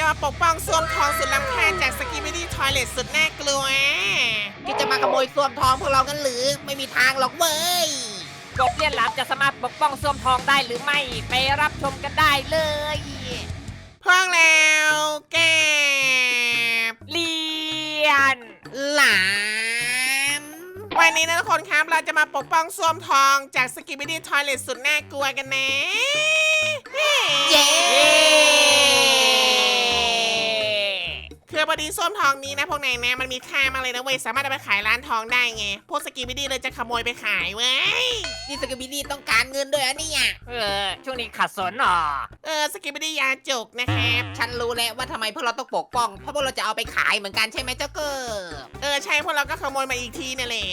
จะมาปกป้องส้วมทองสุดล้ำค่าจากสกิมิดี้ทอยเลทสุดน่ากลัวที่จะมาขโมยส้วมทองพวกเรากันหรือไม่มีทางหรอกเว้ยกบเลี่ยนหลามจะสามารถปกป้องส้วมทองได้หรือไม่ไปรับชมกันได้เลยพร้อมแล้วแกบเลียนหลามวันนี้นะทุกคนครับเราจะมาปกป้องส้วมทองจากสกิมิดี้ทอยเลทสุดน่ากลัวกันนะเย้คือพอดีส้วมทองนี้นะพวกนายนะมันมีค่ามากเลยนะเว้ยสามารถเอาไปขายร้านทองได้ไงพวกสกิมิดี้เลยจะขโมยไปขายเว้ยนี่สกิบิดี้ต้องการเงินด้วยอะเนี่ยช่วงนี้ขัดสนหรอสกิมิดี้ยาจกนะครับฉันรู้แล้วว่าทำไมพวกเราต้องปกป้องเพราะพวกเราจะเอาไปขายเหมือนกันใช่ไหมเจ้าเกอร์ใช่พวกเราก็ขโมยมาอีกทีนั่นแหละ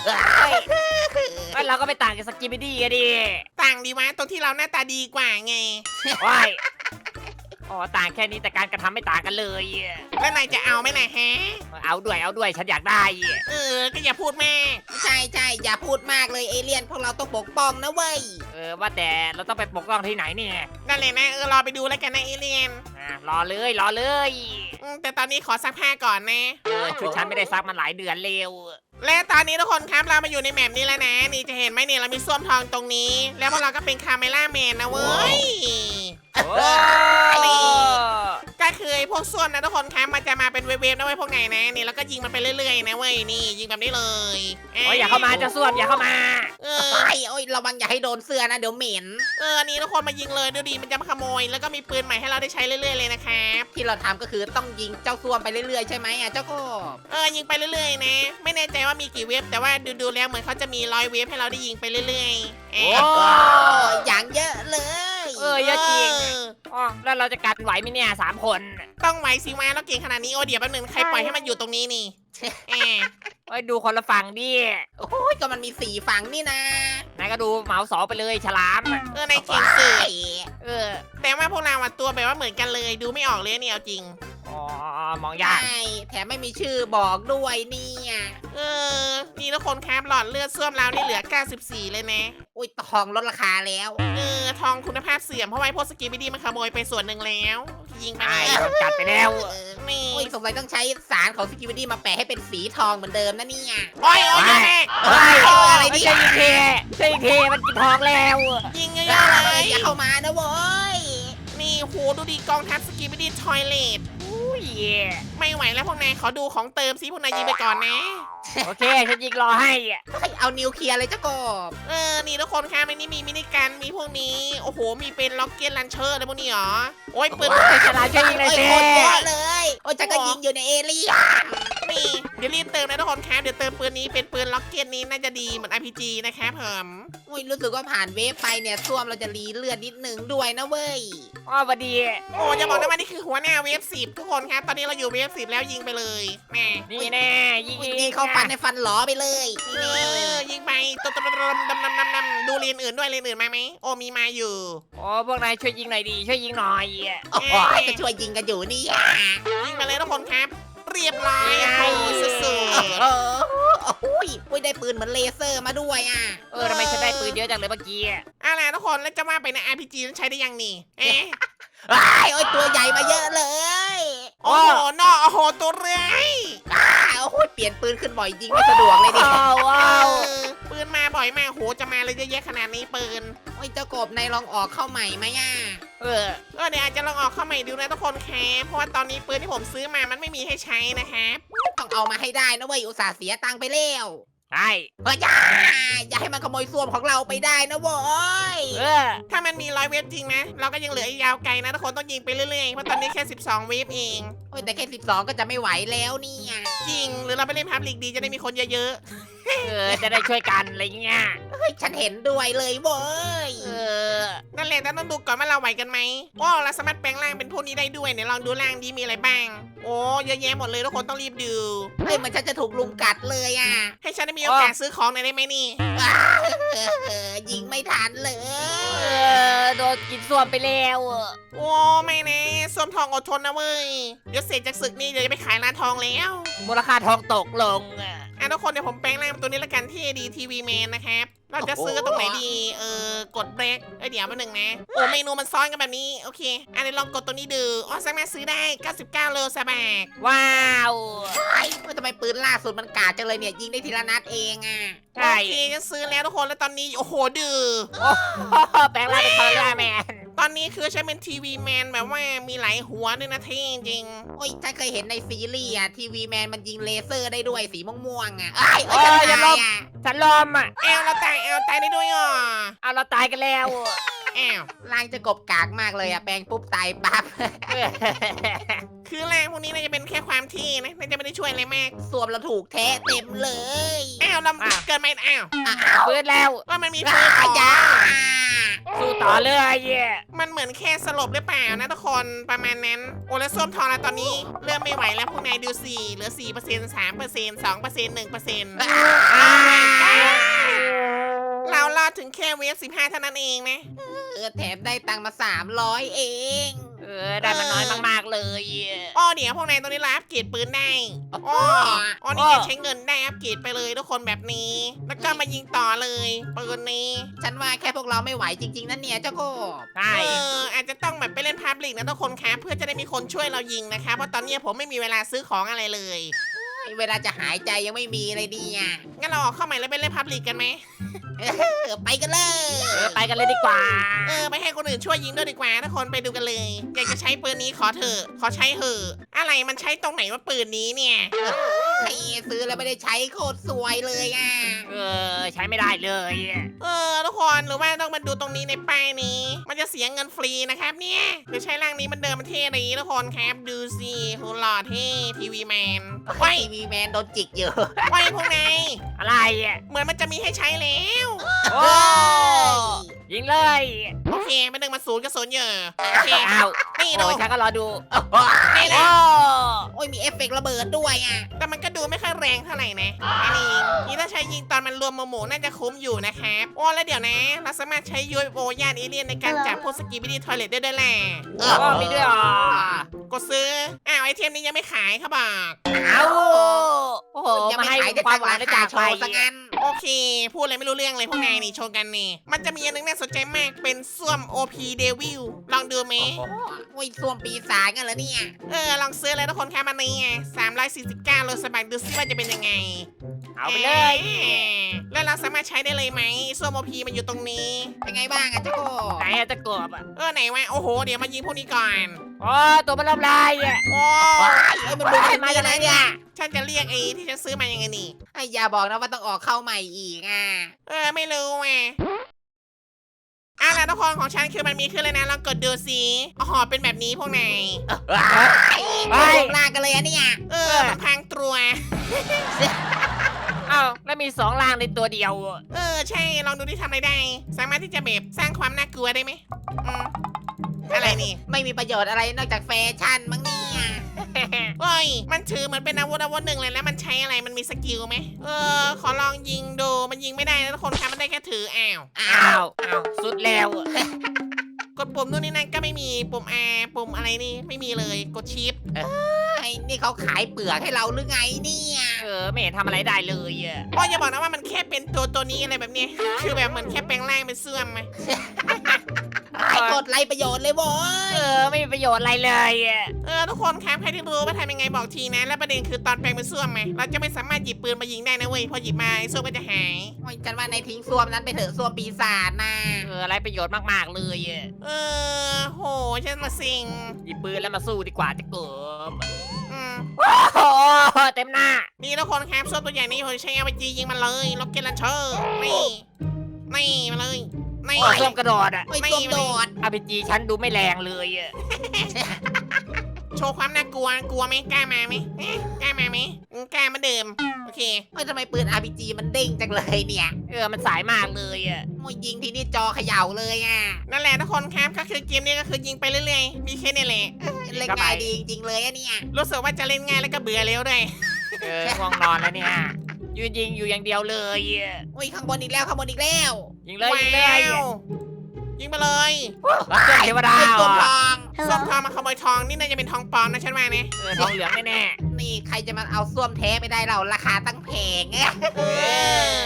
เราก็ไปต่างกับสกิบิดี้อะดิต่างดีวะตรงที่เราหน้าตาดีกว่าไงว้ายอ๋อต่างแค่นี้แต่การกระทำไม่ต่างกันเลยแล้วนายจะเอาไหมนะฮะเอาด้วยฉันอยากได้ก็อย่าพูดแม่ใช่ใช่อย่าพูดมากเลยเอเลี่ยนพวกเราต้องปกป้องนะเว้ยว่าแต่เราต้องไปปกป้องที่ไหนเนี่ยนั่นแหละนะรอไปดูแล้วกันนะเอเลียนรอเลยแต่ตอนนี้ขอซักผ้าก่อนนะชุดฉันไม่ได้ซักมาหลายเดือนเร็วและตอนนี้ทุกคนครับเรามาอยู่ในแมปนี้แล้วนะ นี่จะเห็นไหมเนี่ยเรามีส้วมทองตรงนี้ แล้วพวกเราก็เป็นคาเมล่าแมนนะเว้ย ก็คือไอ้พวกส้วมนะทุกคนครับมันจะมาเป็นเวฟๆนะเว้ยพวกไหนนะนี่แล้วก็ยิงมันไปเรื่อยๆนะเว้ยนี่ยิงแบบนี้เลยอย่าเข้ามาเจ้าส้วมอย่าเข้ามาไปโอ้ยระวังอย่าให้โดนเสื้อนะเดี๋ยวเหม็นนี่ทุกคนมายิงเลยดูดีมันจะมาขโมย แล้วก็มีปืนใหม่ให้เราได้ใช้เรื่อยๆเลยนะครับที่เราทำก็คือต้องยิงเจ้าส้วมไปเรื่อยๆใช่ไหมอ่ะเจ้าก็ยิงไปเรื่อยๆนะ ไม่แน่ใจว่ามีกี่เวฟแต่ว่าดูๆแล้วเหมือนเขาจะมี100เวฟให้เราได้ยิงไปเรื่อยๆโอ้อย่างเยอะเลยเยอะจริงแล้วเราจะกันไหวไหมเนี่ย3 คนต้องไหวสิวะเราเก่งขนาดนี้โอเดี๋ยวแป๊บนึงใครปล่อยให้มันอยู่ตรงนี้นี่แอบดูคนละฝั่งดิโอ้ยก็มันมี4ฝั่งนี่นะนายก็ดูเหมา2ไปเลยฉลามในเก่งสุดเออแต่ว่าพวกเราตัวแบบว่าเหมือนกันเลย ดูไม่ออกเลยเนี่ยเอาจริงมองใชยาก่แถมไม่มีชื่อบอกด้วยเนี่ยนี่ทุกคนครับหลอดเลือดส้วมเรานี่เหลือ94เลยนะอุ้ยทองลดราคาแล้วทองคุณภาพเสื่อมเพราะว่าพวกสกีบิดี้มันขโมยไปส่วนหนึ่งแล้ว ยิงไปไอ้เลยโดนกัดไปแล้วนี่อุ้ยสงสัยต้องใช้สารของสกิบิดี้มาแปะให้เป็นสีทองเหมือนเดิมนะเนี่ยโอ้ยแม่อะไรดิใช่อีกทีมันกินทองแล้วยิงเยอะๆเลยอย่าเข้ามานะเว้ยนี่โหดูดีกองทัพสกีบิดี้ทอยเลทอุ้ยไม่ไหวแล้วพวกนายขอดูของเติมซิพวกนายยิงไปก่อนนะโอเคฉันยิงรอให้เอานิวเคลียร์เลยเจ้ากบนี่ทุกคนครับในนี้มีมินิกันมีพวกนี้โอ้โหมีเป็นล็อกเก็ตลันเชอร์อะไรพวกนี้หรอโอ้ยปืนฉลามช่วยยิงเลยสิโคตรเยอะเลยโอ้ยจะก็ยิงอยู่ในเอเลี่ยนนี่เดี๋ยวรีบเติมนะทุกคนครับเดี๋ยวเติมปืนนี้เป็นปืนล็อกเก็ตนี้น่าจะดีเหมือน RPG นะครับผมอุ้ยรู้สึกว่าผ่านเวฟไปเนี่ยส้วมเราจะรีเลือดนิดนึงด้วยนะเว้ยพอดีโอ้จะบอกนะว่านี่คือหัวหน้าเวฟ10ทุกคนครับตอนนี้เราอยู่เวฟ10แล้วยิงไปเลยแม่นี่แน่ยิงยิงเข้าฟันในฟันหลอไปเลยนี่ยิงไปตุ๊ดๆดูเรียนอื่นด้วยเรียนอื่นมาไหมโอ้มีมาอยู่พวกนายช่วยยิงหน่อยดีช่วยยิงหน่อยโอ้โหจะช่วยยิงกันอยู่นี่ยิงไปเลยทุกคนครับ เรียบร้อยโอ้สุดโอ้ยได้ปืนเหมือนเลเซอร์มาด้วยอ่ะทำไมฉันได้ปืนเยอะจังเลยเมื่อกี้ๆอะไรทุกคนแล้วจะว่าไปใน RPG นั้นใช้ได้ยังนี่โอ้ยตัวใหญ่มาเยอะเลยโอ้โหนอโอ้โหตัวเรื่อยโอ้โหเปลี่ยนปืนขึ้นบ่อยยิงไม่สะดวกเลยดิว้าวปืนมาบ่อยมากโหจะมาเลยเยอะแยะขนาดนี้ปืนโอ้ยเจ้ากบนายลองออกเข้าใหม่ไหมอ่ะเดี๋ยวอาจจะลองออกเข้าใหม่ดูนะทุกคนครับเพราะว่าตอนนี้ปืนที่ผมซื้อมามันไม่มีให้ใช้นะครับต้องเอามาให้ได้นะเว้ยอุตส่าห์เสียตังค์ไปแล้วใช่เฮ้ยอย่าให้มันขโมยส้วมของเราไปได้นะเว้ยถ้ามันมี100 เวฟจริงนะเราก็ยังเหลืออีกยาวไกลนะทุกคนต้องยิงไปเรื่อยๆเพราะตอนนี้แค่12 เวฟเองโอ้ยแต่แค่12ก็จะไม่ไหวแล้วเนี่ยจริงหรือเราไปเล่นพับลีกดีจะได้มีคนเยอะจะได้ช่วยกันอะไรเงี้ยเฮ้ยฉันเห็นด้วยเลยเว้ยๆนั่นแหละแต่ต้องดูก่อนว่าเราไหวกันไหมว้าวเราสามารถแปลงร่างเป็นพวกนี้ได้ด้วยเนี่ยลองดูร่างดีมีอะไรบ้างโอ้เยอะแยะหมดเลยทุกคนต้องรีบดูเฮ้ยมันฉันจะถูกลุมกัดเลยอ่ะให้ฉันได้มีโอกาสซื้อของหน่อยได้ไหมนี่ยิงไม่ทันเลยโดนกินส้วมไปแล้วโอ้ไม่แน่ส้วมทองอดทนนะเว้ยเดี๋ยวเสร็จจากศึกนี่เดี๋ยวจะไปขายร้านทองแล้วมูลค่าทองตกลงทุกคนเดี๋ยวผมแปลงร่างเป็นตัวนี้ละกันที่ดีทีวีแมนนะครับเราจะซื้อตรงไหนดีกดเบรกเดี๋ยวมาหนึ่งนะโอ้เมนูมันซ้อนกันแบบนี้โอเคอันนี้ลองกดตัวนี้ดูอ๋อสามารถซื้อได้99โลซะแบกว้าวไอ้ทำไมปืนล่าสุดมันกาดจังเลยเนี่ยยิงได้ทีละนัดเองอ่ะใช่โอเคจะซื้อแล้วทุกคนแล้วตอนนี้โอ้โหดื้อแปลงร่างเป็นคอร์ร่าแมนตอนนี้คือใช้เป็นทีวีแมนแบบว่ามีหลายหัวด้วยนะเท่จริงโอ้ยฉันเคยเห็นในซีรีส์อ่ะทีวีแมนมันยิงเลเซอร์ได้ด้วยสีม่วงๆอ่ะฉันตายอ่ะฉันลมอ่ะแอลเราตายแอลตายได้ด้วยอ่ะเอาเราตายกันแล้วแอลร่างจะกบกากมากเลยอ่ะแปลงปุ๊บตายปั๊บคือแรงพวกนี้น่าจะเป็นแค่ความที่นะน่าจะไม่ได้ช่วยอะไรมากสวมเราถูกแท้เต็มเลยแอลเราเกินไหมแอลฟื้นแล้วว่ามันมีฟืนอาต่อญาสู้ต่อเลยมันเหมือนแค่สลบหรือเปล่านะทุกคนประมาณนั้นโอ้แล้วส้วมทองแล้วตอนนี้เริ่มไม่ไหวแล้วพวกนายดูสิเหลือ 4% 3% 2% 1% เรารอดถึงแค่เวฟ15เท่านั้นเองนะแถมได้ตังค์มา300เองได้มันน้อยมากๆเลยอ้อเดี๋ยวพวกนายตรงนี้รับอัปเกรดปืนได้อ้อนี่ใช้เงินได้อัปเกรดไปเลยทุกคนแบบนี้ แล้วก็มายิงต่อเลยปืนนี้ฉันว่าแค่พวกเราไม่ไหวจริงๆนั่นเนี่ยเจ้าโกบใช่อาจจะต้องแบบไปเล่นพาบลิกนะทุกคนครับเพื่อจะได้มีคนช่วยเรายิงนะคะเพราะตอนนี้ผมไม่มีเวลาซื้อของอะไรเลยเวลาจะหายใจยังไม่มีเลยดีอ่ะงั้นเราออกเข้าใหม่แล้วไปเล่นพาบลิกกันไหมไปกันเลยไปกันเลยดีกว่าไปให้คนอื่นช่วยยิงด้วยดีกว่าทุกคนไปดูกันเลย อยากจะใช้ปืนนี้ขอเถอะขอใช้เถอะอะไรมันใช้ตรงไหนว่าปืนนี้เนี่ยไอ้ซื้อแล้วไม่ได้ใช้โคตรสวยเลยอ่ะใช้ไม่ได้เลยทุกคนหรือว่าต้องมาดูตรงนี้ในป้ายนี้ มันจะเสียเงินฟรีนะครับเนี่ยเดี๋ยวใช้ร่างนี้มันเดิมมันเท่ดีทุกคนครับดูสิโหหล่อเท่ทีวีแมนไว้ทีวีแมนโดนจิกอยู่ไว้พวกนายอะไรอ่ะเหมือนมันจะมีให้ใช้แล้วโอ้ยิงเลยโอเคมาดึงมาศูนย์กับศูนย์เยอะโอเคอ้าวนี่โอ้ดูฉันก็รอดูนี่แหละโอ้ยมีเอฟเฟกต์ระเบิดด้วยอ่ะแต่มันก็ดูไม่ค่อยแรงเท่าไหร่นะอันนี้ถ้าใช้ยิงตอนมันรวมหมู่น่าจะคุ้มอยู่นะครับโอ้แล้วเดี๋ยวนะเราสามารถใช้ UFO ย่านเอเลี่ยนในการจับพวกสกีบิดี้ทอยเลทได้ด้วยแหละมีด้วยเหรอกดซื้อไอเทมนี้ยังไม่ขายเขาบอกเอาโอ้โหยังมาไม่ให้ขายแต่ควาทาม งหวัร้าง นได้ค้าจากโชไปว์ซะงั้นโอเค พูดอะไรไม่รู้เรื่องเลยพวกนายนี่โชว์กันนี่ มันจะมีอันนึงน่าสนใจมากเป็นส้วม OP Devil ลองดูไหมโอ้ยส้วมปีศาจกันเหรอเนี่ยลองซื้อเลยทุกคนครับมันนี้ไง349โลสบายดูซิว่าจะเป็นยังไงเอาไปเลยแล้วเราสามารถใช้ได้เลยไหมส้วม OP มันอยู่ตรงนี้เป็นไงบ้างอ่ะเจ้าโกบไหนจะกบอ่ะไหนวะโอ้โหเดี๋ยวมายิงพวกนี้ก่อนโอ้ตัวมันลำลายอ่ะโอ้เอ้ยมันดูมันมามาจาจาก กไหไหนนเนี่เนี่ย ยฉันจะเรียกไอ้ที่ฉันซื้อมายังไงนี่ไอ้อย่าบอกนะว่าต้องออกเข้าใหม่อีกอ่ะไม่รู้แหมแล้วทุกคนของฉันคือมันมีขึ้นเลยนะลองกดดูสิอ๋อเป็นแบบนี้พวกนายไปลากกันเลยอะเนี่ยมันพังตัวเอ้าแล้วมี2ล่างในตัวเดียวใช่ลองดูที่ทำอะไรได้ สามารถที่จะแบบสร้างความน่ากลัวได้ไหมอะไรนี่ไม่มีประโยชน์อะไรนอกจากแฟชั่นมั้งเนี่ยเฮ้ยมันถือเหมือนเป็นอาวุธหนึ่งเลยแล้วมันใช้อะไรมันมีสกิลไหมขอลองยิงดูมันยิงไม่ได้นะทุกคนครับมันได้แค่ถืออ้าวอ้าวสุดแล้วกดปุ่มนู่นนี่นั่นก็ไม่มีปุ่ม R ปุ่มอะไรนี่ไม่มีเลยกดชิปไอ้นี่เขาขายเปลือกให้เราหรือไงเนี่ยไม่เห็นทำอะไรได้เลยอ่ะอย่าบอกนะว่ามันแค่เป็นตัวนี้อะไรแบบนี้ คือแบบเหมือนแค่แปลงร่างเป็นเสื่อมไหมไอ้กดไรประโยชน์เลยโว้ยไม่มีประโยชน์อะไรเลยอ่ะทุกคนครับใครที่รู้ว่าทำยังไงบอกทีนะ และประเด็นคือตอนแปลงเป็นเสื่อมไหมเราจะไม่สามารถหยิบปืนมายิงได้นะเว้ยพอหยิบมาไอ้เสื่อมก็จะหายโอ้ยฉันว่าในทิ้งส้วมนั้นไปเถอะส้วมปีศาจนะอะไรประโยชน์มากๆเลยอ่ะโหฉันมาสิงหยิบปืนแล้วมาสู้ดีกว่าจะกบอืมโอ้โหเต็มหน้านี่ทุกคนครับส่วนตัวใหญ่นี้ผมใช้เอาไปจียิงมันเลยล็อกเก็ตลันเชอร์นี่มาเลยนี่โอ้ส้มกระโดดอ่ะโอ้ยส้วมโดด RPG ฉันดูไม่แรงเลยอ่ะโชว์ความน่ากลัวกลัวไหมกล้ามาไหมกล้ามาไหมกล้ามาเดิมโอเคโอ้ยทำไมปืน RPG มันเด้งจังเลยเนี่ยมันสายมากเลยอ่ะโอ้ยยิงทีนี่จอเขย่าเลยอ่ะนั่นแหละทุกคนครับก็คือเกมนี้ก็คือยิงไปเรื่อยๆมีแค่นี้แหละเล่นง่ายดีจริงๆเลยอะเนี่ยรู้สึกว่าจะเล่นง่ายแล้วก็เบื่อเร็วด้วยง่วงนอนแล้วเนี่ยยืนยิงอยู่อย่างเดียวเลยอ่ะโอ้ยข้างบนอีกแล้วข้างบนอีกแล้วยิงเลยยิงเลยว้าวยิงไปเลยรับเจ้าเทวดาไอ้เหรตัวอทองส้มทองมาขโมยทองนี่น่าจะเป็นทองปลอมนะฉันว่าเนี่ยทองเหลืองแน่นี่ใครจะมาเอาส้วมแท้ไปได้เราราคาตั้งแพงเออ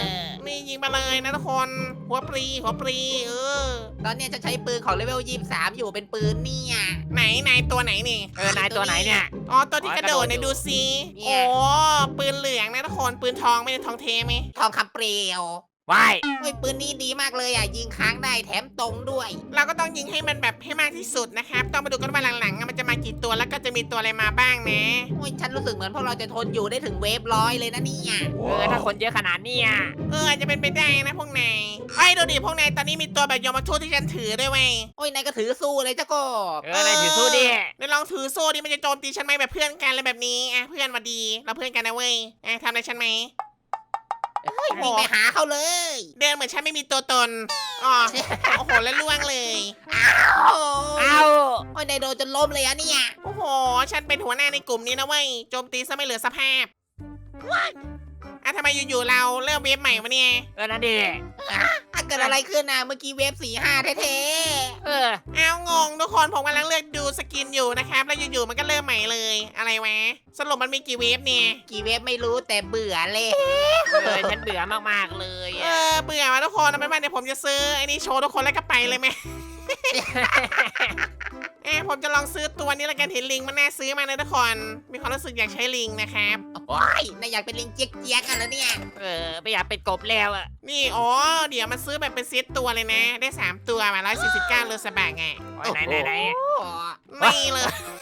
นี่ยิงมาเลยนะทุกคน หัวปรีเออตอนเนี้ยฉันใช้ปืนของเลเวล23อยู่เป็นปืนเนี่ยไหนตัวไหนนี่นายตัวไหนเนี่ยอ๋อตัวที่กระโดดเนี่ยกระโดดอยู่ดูสิโอ้ปืนเหลืองนะทุกคนปืนทองไม่ได้ทองเทไหมทองคำเปลวว้ายเฮ้ยปืนนี้ดีมากเลยยิงค้างได้แถมตรงด้วยเราก็ต้องยิงให้มันแบบให้มากที่สุดนะครับต้องมาดูกันว่าหลังๆมันจะมากี่ตัวแล้วก็จะมีตัวอะไรมาบ้างนะโอ้ยฉันรู้สึกเหมือนพวกเราจะทนอยู่ได้ถึงเวฟ100เลยนะเนี่ยถ้าคนเยอะขนาดเนี้ยอาจจะเป็นไปได้นะพวกนายไอ้ดูดิพวกนายตอนนี้มีตัวแบบยมทูตที่ฉันถือด้วยเว้ยโอ้ยนายก็ถือสู้เลยเจ้ากบนายถือสู้ดิเดี๋ยวลองถือโซ่ดิมันจะโจมตีฉันไหมแบบเพื่อนกันอะไรแบบนี้อ่ะเพื่อนมาดีเราเพื่อนกันนะเว้ยทำอะไรฉันไหมวิ่งไปหาเขาเลยเดินเหมือนฉันไม่มีตัวตนอ๋อโอ้โหแล้วล่วงเลยโอ้เอ้าโอ้ยนายโดนจนล้มเลยเนี่ยโอ้โหฉันเป็นหัวหน้าในกลุ่มนี้นะเว้ยโจมตีซะไม่เหลือสภาพทำไมอยู่ๆเราเริ่มเวฟใหม่วะเนี่ยนั่นดิเกิดอะไรขึ้นเมื่อกี้เวฟ45แท้เอางงทุกคนผมกำลังเลือกดูสกินอยู่นะครับแล้วอยู่ๆมันก็เริ่มใหม่เลยอะไรวะสรุปมันมีกี่เวฟเนี่ยๆกี่เวฟไม่รู้แต่เบื่อเลยฉันเบื่อมากๆเลยเบื่อมาทุกคนเอาเป็นว่าเดี๋ยวผมจะซื้อไอ้นี่โชว์ทุกคนแล้วก็ไปเลยไหม ผมจะลองซื้อตัวนี้แล้วกันเห็นลิงมันน่าซื้อมานะทุกคนมีความรู้สึกอยากใช้ลิงนะครับโอ้ยนายอยากเป็นลิงเจี๊ยกๆกันแล้วเนี่ยไม่อยากเป็นกบแล้วอ่ะนี่อ๋อเดี๋ยวมันซื้อแบบเป็นเซตตัวเลยนะ ได้3ตัวมา149เลอสบะไงไหนโอ้นี่เลย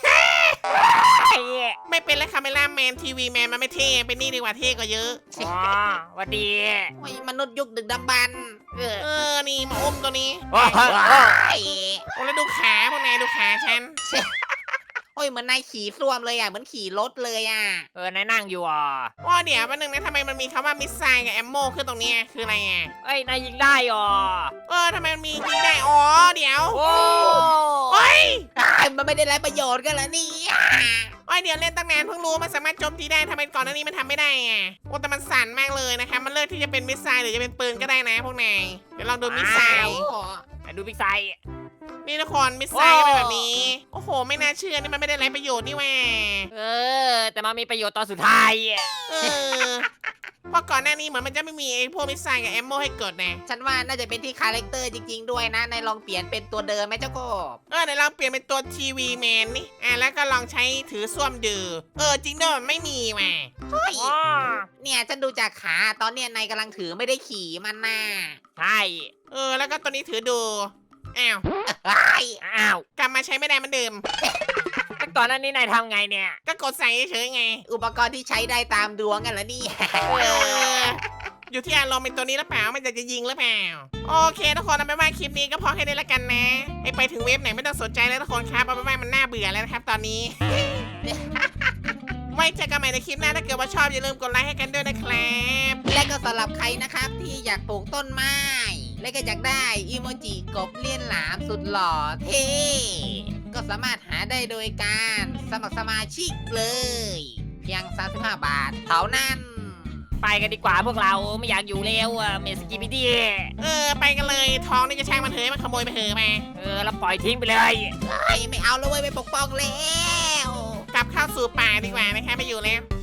ไม่เป็นแล้วคาเมล่าแมนทีวีแมนมันไม่เท่เป็นนี่ดีกว่าเท่กว่าเยอะวันดีโอ้ยมนุษย์ยุคดึกดำบรรพ์นี่มาอมตัวนี้โอ้ยโอ้แล้วดูขาพวกนายดูขาฉันโอ้ยเหมือนนายขี่ส้วมเลยเหมือนขี่รถเลยนายนั่งอยู่อ่ะเดี๋ยวแป๊บนึงนะทำไมมันมีคำว่ามิสไซล์กับแอมโมขึ้นตรงเนี้ยคืออะไรอ่ะนายยิงได้อ่ะทำไมมันมียิงได้อ๋อเดี๋ยวโอ้เฮ้ยมันไม่ได้ไรประโยชน์กันแล้วนี่เดี๋ยวเล่นตั้งนานเพิ่งรู้มันสามารถโจมตีได้ทำไมก่อนหน้านี้มันทำไม่ได้อ่ะแต่มันสั่นมากเลยนะคะมันเลือกที่จะเป็นมิสไซล์หรือจะเป็นปืนก็ได้นะพวกนายเดี๋ยวลองดูมิสไซล์ดูพิกไซนี่ทุกคนมิสไซล์ก็เป็นแบบนี้โอ้โหไม่น่าเชื่อนี่มันไม่ได้ไรประโยชน์นี่แหวแต่มันมีประโยชน์ตอนสุดท้ายเพราะก่อนหน้านี้เหมือนมันจะไม่มีไอ้พวกมิสไซล์กับแอมโมให้กดนะฉันว่าน่าจะเป็นที่คาแรคเตอร์จริงๆด้วยนะนายลองเปลี่ยนเป็นตัวเดิมไหมเจ้ากบเดี๋ยวลองเปลี่ยนเป็นตัวทีวีแมนนี่แล้วก็ลองใช้ถือส้วมดือจริงด้วยมันไม่มีแหมเนี่ยฉันดูจากขาตอนเนี้ยนายกำลังถือไม่ได้ขี่มันน่ะใช่แล้วก็ตัวนี้ถือดูอ้าวอ้าวกลับมาใช้ไม่ได้เหมือนเดิมก่อนหน้านี้นายทำไงเนี่ยก็กดใส่เฉยๆไงอุปกรณ์ที่ใช้ได้ตามดวงกันแล้วนี่อยู่ที่อารมณ์เป็นตัวนี้หรือเปล่ามันจะยิงหรือเปล่าโอเคทุกคนเอาไปนว่าคลิปนี้ก็พอแค่นี้ละกันนะให้ไปถึงเว็บไหนไม่ต้องสนใจแล้วทุกคนครับเอาไปนว่ามันน่าเบื่อแล้วนะครับตอนนี้ ไว้เจอกันใหม่ในคลิปหน้าถ้าเกิดว่าชอบอย่าลืมกดไลค์ให้กันด้วยนะครับและก็สำหรับใครนะครับที่อยากปลูกต้นไม้ และก็อยากได้อีโมจิกบเลี่ยนหลามสุดหล่อเท่ก็สามารถหาได้โดยการสมัครสมาชิกเลย เพียง35 บาทเท่านั้นไปกันดีกว่าพวกเราไม่อยากอยู่แล้วเมสกิบิดี้ไปกันเลยท้องนี่จะช่างมันเถอะมันขโมยไปเถอะมาแล้วปล่อยทิ้งไปเลยไม่เอาแล้วเว้ยไปปกป้องแล้วกลับเข้าสู่ป่าดีกว่านะคะไม่อยู่แล้ว